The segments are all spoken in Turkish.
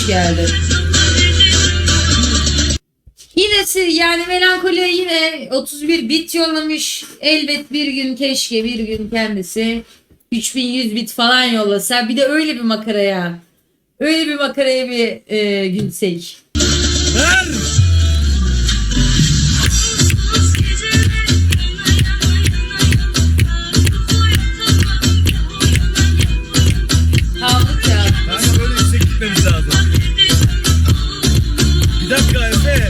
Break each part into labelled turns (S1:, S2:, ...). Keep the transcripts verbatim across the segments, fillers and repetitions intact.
S1: hoş geldin. Yine yani melankoliye yine otuz bir bit yollamış. Elbet bir gün keşke bir gün kendisi üç bin yüz bit falan yollasa. Bir de öyle bir makaraya. Öyle bir makaraya bir e, gülsek.
S2: Ver.
S1: Kaldık ya.
S2: Kanka böyle yüksek gitmemiz lazım. Bir dakika Efe.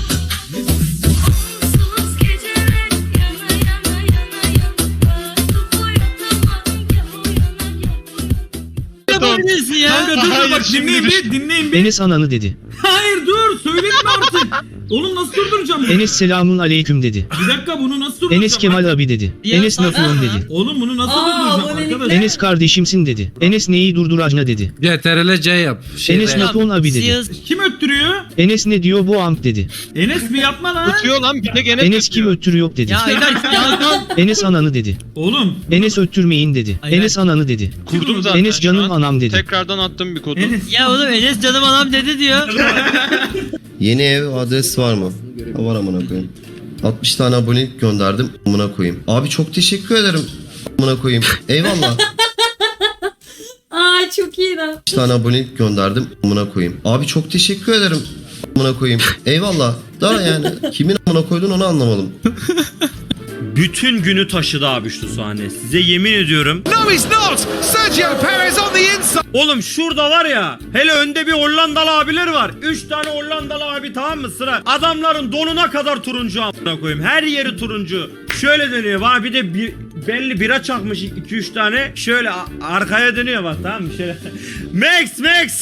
S3: Yapabilirsin ya.
S2: Kanka dur dur bak dinleyin bir dinleyin bir.
S4: Enes ananı dedi.
S2: Hayır dur söyledim artık. Oğlum nasıl durduracağım bunu?
S4: Enes selamun aleyküm dedi.
S2: Bir dakika bunu nasıl durduracağım?
S4: Enes Kemal abi dedi.
S3: Ya
S4: Enes
S3: sen-
S4: Nafuon
S1: Aa.
S4: dedi.
S2: Oğlum bunu nasıl
S1: Aa,
S2: durduracağım
S1: abonelikler.
S2: arkadaş?
S4: Enes kardeşimsin dedi. Enes neyi durduracına dedi.
S5: C T R L C yap. Şey
S4: Enes
S5: de-
S4: Nafuon abi dedi.
S3: Siyaz-
S2: Kim öttürüyor?
S4: Enes ne diyor bu amk dedi.
S2: Enes mi yapma lan?
S5: Tutuyor lan bir tek Enes
S4: Enes kim
S5: tutuyor.
S4: öttürü yok dedi.
S3: Ya Eder ya lan.
S4: Enes ananı dedi.
S2: Oğlum.
S4: Enes öttürmeyin dedi.
S3: Ay,
S4: Enes ananı dedi.
S5: Kurdum zaten.
S4: Enes canım
S5: şu an.
S4: anam dedi.
S5: Tekrardan attım bir kodu.
S2: Enes.
S3: Ya oğlum Enes canım anam dedi diyor.
S6: Yeni ev adres var mı? Ha, var amına koyayım. altmış tane abonelik gönderdim amına koyayım. Abi çok teşekkür ederim amına koyayım. Eyvallah.
S1: Aa çok iyi lan.
S6: altmış tane abonelik gönderdim amına koyayım. Abi çok teşekkür ederim amına koyayım. Eyvallah. Daha yani kimin amına koydun onu anlamadım.
S7: Bütün günü taşıdı abi şu sahne. Size yemin ediyorum.
S8: No, he's not. Sergio Perez on the inside.
S7: Oğlum şurada var ya. Hele önde bir Hollandalı abiler var. Üç tane Hollandalı abi tamam mı sıra? Adamların donuna kadar turuncu amına koyayım. Her yeri turuncu. Şöyle dönüyor. Var bir de bir, belli bira çakmış iki üç tane. Şöyle a- arkaya dönüyor bak tamam mı? Şöyle. Max Max.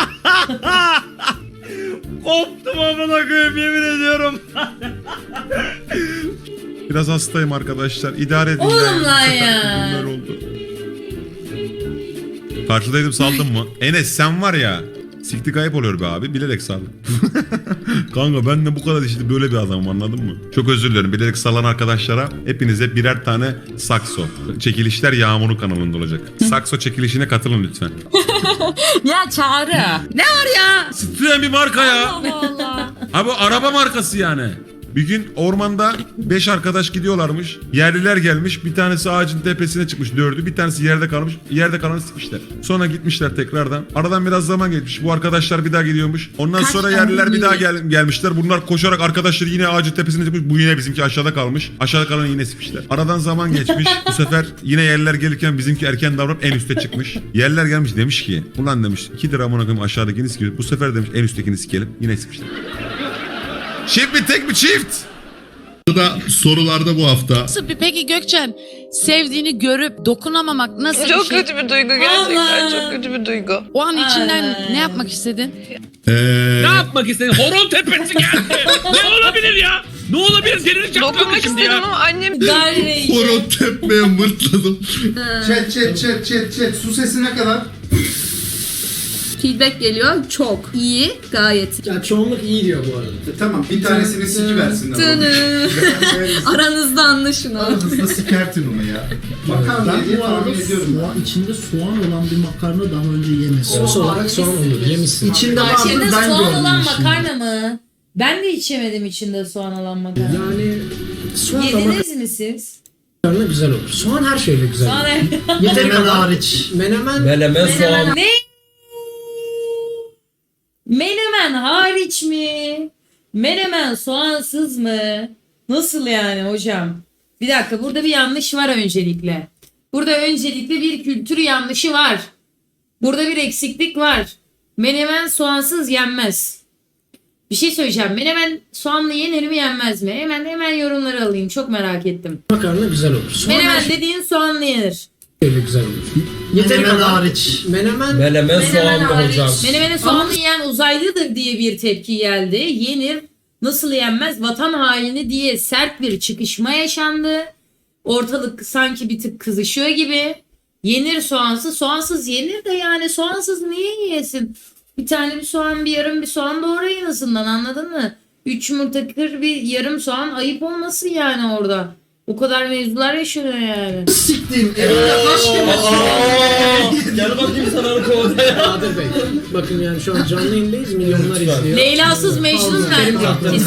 S7: Koptum amına koyayım yemin ediyorum.
S9: Biraz hastayım arkadaşlar. İdare edin.
S1: Oğlum
S9: yani. Bu
S1: lan
S9: sefer
S1: ya.
S9: bunlar oldu. Karşıdaydım saldım mı? Enes sen var ya. Sikti kayıp oluyor be abi. Bilerek saldım. Kanka ben de bu kadar işte böyle bir adamım anladın mı? Çok özür dilerim. Bilerek salan arkadaşlara hepinize birer tane sakso. Çekilişler Yağmur'un kanalında olacak. Sakso çekilişine katılın lütfen.
S1: Ya Çağrı. Ne var ya?
S9: Titriyen bir marka ya.
S1: Allah Allah.
S9: Ha bu araba markası yani. Bir gün ormanda beş arkadaş gidiyorlarmış. Yerliler gelmiş. Bir tanesi ağacın tepesine çıkmış dördü. Bir tanesi yerde kalmış. Yerde kalanı sıkmışlar. Sonra gitmişler tekrardan. Aradan biraz zaman geçmiş. Bu arkadaşlar bir daha gidiyormuş. Ondan
S1: Kaç
S9: sonra
S1: tane
S9: yerliler bir daha
S1: yiyor?
S9: gel gelmişler. Bunlar koşarak arkadaşları yine ağacın tepesine çıkmış. Bu yine bizimki aşağıda kalmış. Aşağıda kalanı yine sıkmışlar. Aradan zaman geçmiş. Bu sefer yine yerliler gelirken bizimki erken davranıp en üste çıkmış. Yerliler gelmiş demiş ki ulan demiş iki lira amına koyayım aşağıdakini sikiyor. Bu sefer demiş en üsttekini sikelim. Yine sıkmışlar. Çift mi tek mi çift?
S10: Da sorularda bu hafta.
S11: Nasıl bir peki Gökçen sevdiğini görüp dokunamamak nasıl
S12: Çok
S11: bir şey?
S12: kötü bir duygu gerçekten.
S1: Allah.
S12: Çok kötü bir duygu.
S11: O an içinden
S1: Ay.
S11: ne yapmak istedin?
S10: Ee,
S5: Ne yapmak istedin? Horon tepesi geldi. Ne olabilir ya? Ne olabilir? Deniz çaktırdı
S12: Dokunmak
S5: şimdi
S12: istedim
S5: ya.
S12: ama annem
S1: Gayri.
S10: horon tepmeye mırtladım.
S8: Chat chat chat chat chat. Su sesi ne kadar?
S12: feedback geliyor. Çok iyi. Gayet.
S8: Ya çoğunluk iyi diyor bu arada. Tamam bir tanesini siki versinler.
S12: Aranızda anlaşın o.
S8: Aranızda sikertin onu ya. Makarna diye tahmin ediyorum.
S13: Soğan, içinde soğan olan bir makarna daha önce yemedim.
S1: Sos olarak soğan olur.
S13: Yemişsin. İçinde vardı
S1: İçinde
S13: ben
S1: soğan
S13: gördüm
S1: olan
S13: içinde.
S1: makarna mı? Ben de içemedim içinde soğan olan makarna.
S13: Yani soğan da
S1: Yediniz mi siz?
S13: makarna güzel olur. Soğan her şeyle güzel
S1: Soğan
S13: olur. Menemen hariç. Menemen.
S5: Menemen soğan.
S1: Ne? Menemen hariç mi? Menemen soğansız mı? Nasıl yani hocam? Bir dakika burada bir yanlış var öncelikle. Burada öncelikle bir kültür yanlışı var. Burada bir eksiklik var. Menemen soğansız yenmez. Bir şey söyleyeceğim. Menemen soğanlı yenir mi yenmez mi? Hemen hemen yorumları alayım. Çok merak ettim.
S13: Makarna güzel olur. Soğan
S1: Menemen
S13: her
S1: dediğin soğanlı yenir.
S13: şeyle güzel olur. Menemen hariç. Menemen.
S5: Menemen soğan mı
S1: hariç.
S5: hocam?
S1: Menemeni soğanlı yiyen uzaylıdır diye bir tepki geldi. Yenir. Nasıl yenmez? Vatan haini diye sert bir çıkışma yaşandı. Ortalık sanki bir tık kızışıyor gibi. Yenir soğansız. Soğansız yenir de yani soğansız niye yiyesin? Bir tane bir soğan, bir yarım bir soğan doğrayın en azından, anladın mı? Üç yumurta kır bir yarım soğan ayıp olmasın yani orada. O kadar mevzular yaşanıyor yani.
S13: Siktim. Evimde kaç kere
S2: Gel bakayım sana o konuda ya.
S13: Kadir Bey. Bakın yani şu an canlı yayındayız. Milyonlar izliyor.
S1: Leylasız Mecnun nerede?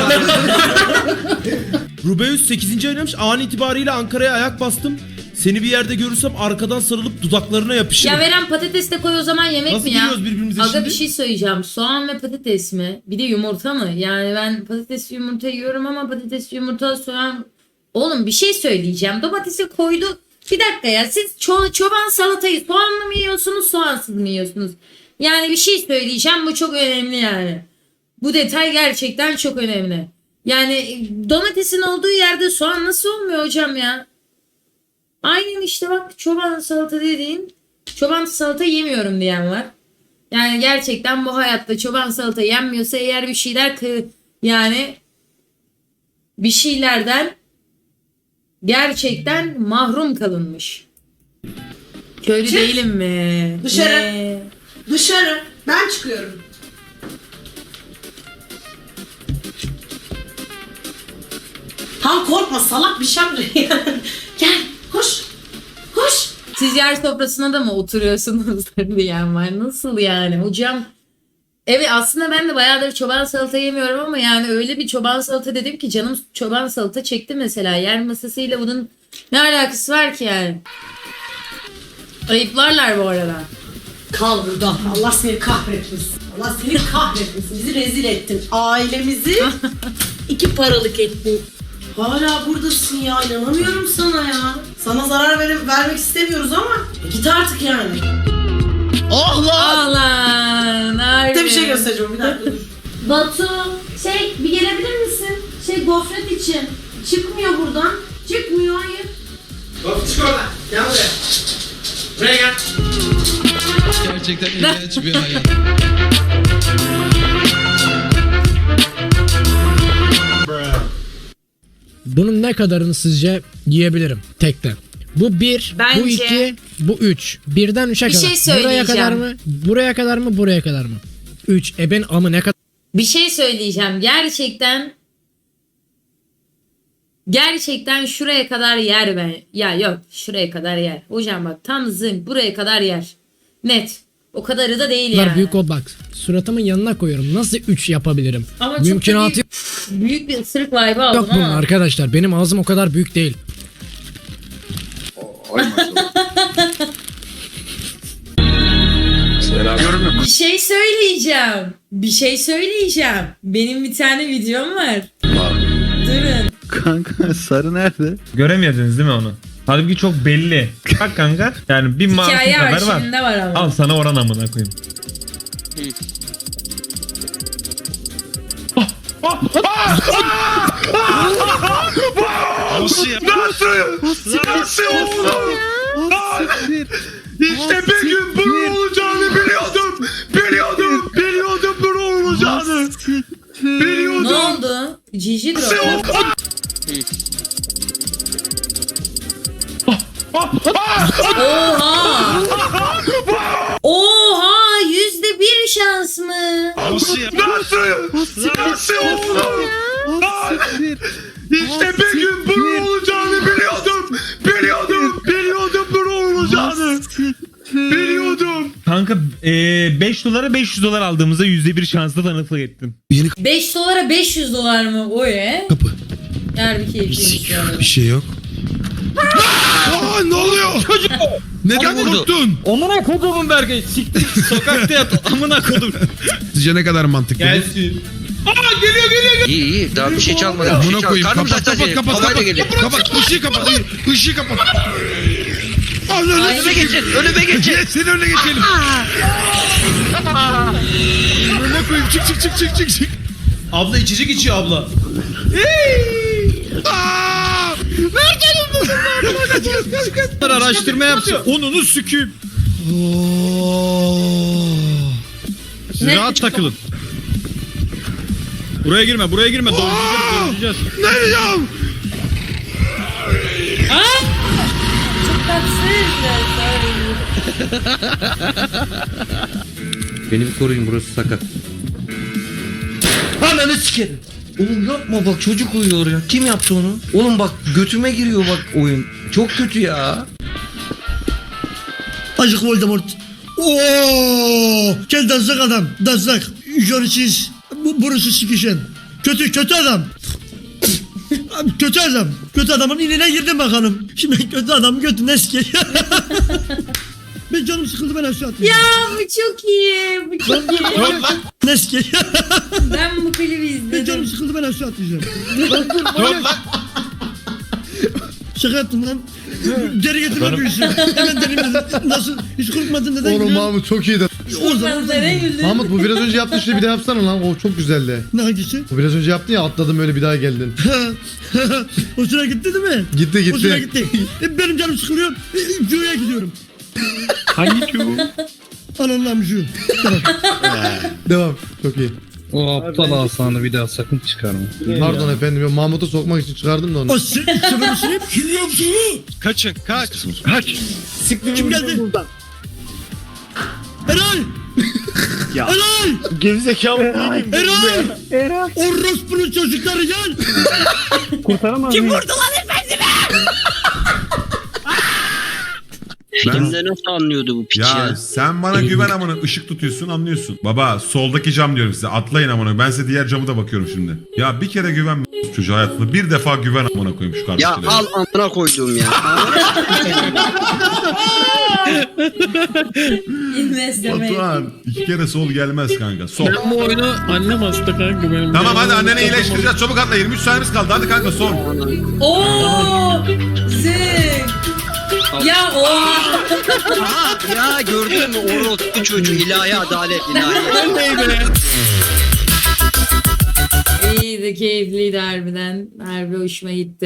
S2: Rubeus sekizinci oynamış. An itibariyle Ankara'ya ayak bastım. Seni bir yerde görürsem arkadan sarılıp dudaklarına yapışırım.
S1: Ya veren patates de koy o zaman yemek
S2: Nasıl
S1: mi ya?
S2: biliyoruz birbirimize
S1: Aga
S2: şimdi?
S1: bir şey söyleyeceğim. Soğan ve patates mi? Bir de yumurta mı? Yani ben patates yumurta yiyorum ama patates yumurta soğan... Oğlum bir şey söyleyeceğim. Domatesi koydu. Bir dakika ya siz ço- çoban salatayı soğanlı mı yiyorsunuz soğansız mı yiyorsunuz? Yani bir şey söyleyeceğim bu çok önemli yani. Bu detay gerçekten çok önemli. Yani domatesin olduğu yerde soğan nasıl olmuyor hocam ya? Aynen işte bak çoban salata dediğin çoban salata yemiyorum diyen var. Yani gerçekten bu hayatta çoban salata yenmiyorsa eğer bir şeyler kı yani bir şeylerden gerçekten mahrum kalınmış. Köylü
S13: Çık.
S1: değilim mi?
S13: Dışarı.
S1: Ne?
S13: Dışarı. Ben çıkıyorum. Tam korkma salak bir şey Gel koş. Koş.
S1: Siz yer sofrasına da mı oturuyorsunuz diyen var. Nasıl yani hocam? Evet aslında ben de bayağıdır çoban salata yemiyorum ama yani öyle bir çoban salata dedim ki canım çoban salata çekti mesela. Yer masasıyla bunun ne alakası var ki yani? Ayıplarlar bu arada.
S13: Kal burada. Allah seni kahretmesin. Allah seni kahretmesin. Bizi rezil ettin. Ailemizi iki paralık ettin. Hala buradasın ya. İnanamıyorum sana ya. Sana zarar ver vermek istemiyoruz ama e, git artık yani.
S1: Allah! Allah!
S13: Bir şey göstereceğim bir dakika dur.
S12: Batu şey bir gelebilir misin? Şey gofret için. Çıkmıyor buradan. Çıkmıyor hayır.
S13: Bak çık oradan. Gel buraya. Buraya gel.
S3: Gerçekten ilginç bir hayat.
S13: Bunun ne kadarını sizce yiyebilirim tekte? Bu bir,
S1: Bence-
S13: bu iki, bu üç. Birden üçe
S1: Bir
S13: kadar.
S1: şey söyleyeceğim.
S13: Buraya kadar mı? Buraya kadar mı? Buraya kadar mı? Üç. E ben amı ne kadar?
S1: Bir şey söyleyeceğim. Gerçekten gerçekten şuraya kadar yer ben. Ya yok şuraya kadar yer. Hocam bak tam zın buraya kadar yer. Net. O kadarı da değil yani.
S13: Büyük ol bak. Suratımın yanına koyuyorum. Nasıl üç yapabilirim?
S1: Ama çok da
S13: Mümkünatı
S1: büyük, büyük bir ısırık vibe aldım
S13: yok bunun
S1: ama.
S13: arkadaşlar. Benim ağzım o kadar büyük değil.
S1: Bir şey söyleyeceğim. Bir şey söyleyeceğim. Benim bir tane videom var. Durun.
S8: Kanka sarı nerede?
S2: Göremediniz değil mi onu? Halbuki çok belli. Bak kanka. Yani bir marka
S1: Hikaye
S2: kadar var.
S1: arşivinde var ama.
S2: Al sana oran amına koyayım.
S3: Nasıl ya?
S2: Nasıl oldu? İşte bir gün bunun olacağını biliyordum. Biliyordum. Biliyordum bunun olacağını.
S1: Ne
S2: Biliyordum.
S1: oldu? Cici drop. Oha! Oha! Yüzde bir şans mı?
S3: Nasıl ya?
S2: Nasıl? Nasıl oldu? İşte bir gün bunun olacağını biliyordum. Biliyordum. Biliyordum bunun olacağını. Biliyordum. Kanka beş dolara beş yüz dolar aldığımızda yüzde bir şansla tanıklık ettim.
S1: beş dolara beş yüz dolar mı? O ye.
S10: Kapı.
S1: Yer bir keyifliymiş yani.
S10: Bir şey yok. Aa, ne oluyor? Neden unuttun?
S2: Amına kodumun Berkay. Siktir sokakta yat. Amına kodum.
S10: Sizce ne kadar mantıklı?
S2: Gelsin. Aa geliyor geliyor geliyor.
S3: İyi iyi daha bir şey çalmadı.
S10: Amına koyayım. Kapat kapat kapat kapat. Kapat. Işığı kapat. Işığı kapat.
S3: Önüme geçin önüme geçin.
S10: Senin önüne geçelim. Önüne koyayım. Çık çık çık çık çık çık.
S2: Abla içecek içiyor abla. Araştırma yapsın. Onunu süküp. Siz
S1: Ne?
S2: rahat takılın. Buraya girme, buraya girme. Dolduracağız, dolduracağız.
S10: Ne yapacağım?
S1: Çok tatsız.
S3: Beni bir koruyun burası sakat.
S2: Ananı sikerim.
S3: Oğlum yapma bak çocuk uyuyor ya. Kim yaptı onu? Oğlum bak götüme giriyor bak oyun. Çok kötü ya.
S10: Acık Voldemort. Oo! Gel dansak adam. Dansak. Jörisiz. Bu burası sikişen. Kötü kötü adam. Abi kötü adam. Kötü adamın iline girdim bakalım. Şimdi kötü adamın götüne sikeyim. Ben canım sıkıldı, ben aşağı atlayacağım.
S1: Ya bu çok iyi. Bu çok iyi.
S10: Ne sikeyim?
S1: Ben bu klibi
S10: Ben canım
S1: izledim.
S10: sıkıldı, ben aşağı atlayacağım. Şaka yaptım lan. Geri getirme büyüsün. Hemen deneyim dedim. Nasıl? Hiç korkmadın neden?
S8: Oğlum Mahmut çok iyiydi.
S10: O zaman
S1: Nereye güldün?
S8: Mahmut bu biraz önce yaptığın şeyi bir daha yapsana lan. O çok güzeldi.
S10: ne hangisi?
S8: Bu biraz önce yaptın ya, atladım öyle bir daha geldin.
S10: Hoşuna gitti değil mi?
S8: Gitti
S10: Hoşuna
S8: gitti.
S10: gitti. E, benim canım sıkılıyor. E, Cu'ya gidiyorum.
S2: Hangi Q?
S10: Ananlam Cu. Tamam.
S8: Devam. Çok iyi.
S3: O aptal asanı bir daha sakın çıkarma.
S8: Pardon efendim. Ya Mahmut'u sokmak için çıkardım da onu.
S10: O sı- sıfır sınıf. Kim yaptı onu?
S2: Kaçın kaç. Kaç.
S10: Kim geldi? Eray!
S2: Ya.
S10: Eray!
S2: Gerizekalı
S10: Eray! Eray! Orospu'nun çocukları gel!
S2: kurtaramaz
S11: Kim vurdu lan efendime?
S9: Ben...
S3: nasıl anlıyordu bu
S9: Ya sen bana güven amına, ışık tutuyorsun anlıyorsun. Baba soldaki cam diyorum size, atlayın amına, ben size diğer camı da bakıyorum şimdi. Ya bir kere güven çocuğa hayatında, bir defa güven amına koyayım şu kardeşine.
S3: Ya al amına koyduğum ya.
S1: İnvestlemeyin.
S9: Batuhan iki kere sol gelmez kanka, sol.
S5: Ben bu oyunu annem hasta kanka benim.
S9: Tamam hadi anneni iyileştireceğiz, çabuk atla, yirmi üç saniyemiz kaldı, hadi kanka sol.
S1: Oo! Zing! Ya o.
S3: Ya gördün mü orospu çocuğu, ilahi adalet ilahi.
S1: İyiydi, keyifliydi harbiden. Harbi hoşuma gitti.